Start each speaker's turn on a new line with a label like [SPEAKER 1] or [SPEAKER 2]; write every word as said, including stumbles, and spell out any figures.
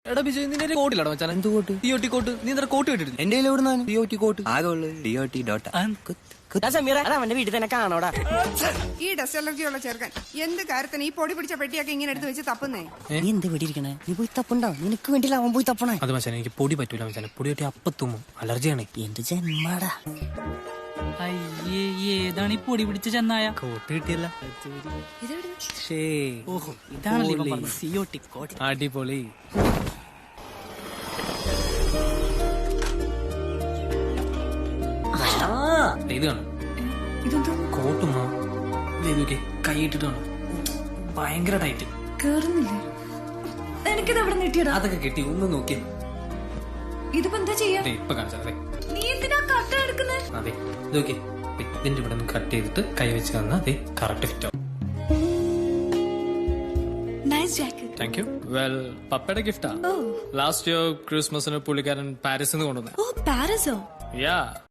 [SPEAKER 1] എടാ ബിജു നിന്റെ കോട്ടിലാണോ മച്ചാൻ? എന്ത് coat? D O T coat. നീ എന്താ കോട്ട് കിട്ടില്ല?
[SPEAKER 2] എന്റെ എവിടുന്നാണ് ഡി ഒ ടി കോട്ട്? ആകെ ഉള്ളത് ഡി ഒ ടി ഡോട്ട.
[SPEAKER 3] അവന്റെ വീട്ടിൽ തന്നെ കാണോടാ.
[SPEAKER 4] ഈ ഡസ്റ്റ് അലർജി ഉള്ള ചെറുക്കൻ എന്ത് കാര്യത്തിന് ഈ പൊടി പിടിച്ച പെട്ടിയൊക്കെ ഇങ്ങനെ എടുത്ത് വെച്ച് തപ്പുന്നേ?
[SPEAKER 3] നീ എന്ത് വീട്ടിരിക്കണേ? നീ പോയി തപ്പുണ്ടോ? നിനക്ക് വേണ്ടിയില്ല അവൻ പോയി തപ്പണേ.
[SPEAKER 1] അത് മച്ചാൻ എനിക്ക് പൊടി പറ്റൂല മച്ചാൻ. പൊടി പറ്റി അപ്പത്തുമ്മോ അലർജിയാണ്.
[SPEAKER 3] എന്ത് ജന്മാടാ.
[SPEAKER 5] അയ്യേ ഏതാണ് ഈ പൊടി പിടിച്ച ചെന്നായ?
[SPEAKER 1] കോട്ട് കിട്ടിയല്ല.
[SPEAKER 5] ഓഹോ ഇതാണല്ലോ ഇവൻ പറഞ്ഞത് സി ഒ ടി കോട്ട്.
[SPEAKER 1] അടിപൊളി. ഇത് കാണും കോട്ടുമ്മോ ഇതൊക്കെ കൈയിട്ടിട്ട് കാണും. ഭയങ്കര ടൈറ്റ്.
[SPEAKER 6] കേറുന്നില്ലേ? എനിക്കിത് എവിടെ നീട്ടിയടാ?
[SPEAKER 1] അതൊക്കെ കിട്ടി ഒന്ന് നോക്കി.
[SPEAKER 6] ഇതിപ്പോ എന്താ ചെയ്യാ?
[SPEAKER 1] ഇപ്പൊ കാണിച്ചാ
[SPEAKER 6] നീ എന്തിനാ കട്ട എടുക്കുന്നേ?
[SPEAKER 1] അതെ ഇതൊക്കെ ഇതിന്റെ ഇവിടെ നിന്ന് കട്ട് ചെയ്തിട്ട് കൈ വെച്ച് തന്നാ അതെ കറക്റ്റ് ഫിറ്റ് ആവും.
[SPEAKER 6] Nice jacket.
[SPEAKER 1] Thank you. Well പപ്പയുടെ ഗിഫ്റ്റാ. ലാസ്റ്റ് ഇയർ ക്രിസ്മസിന് പുള്ളിക്കാരൻ പാരീസിൽ നിന്ന് കൊണ്ടുവന്നേ.
[SPEAKER 6] ഓ പാരീസോ?
[SPEAKER 1] യാ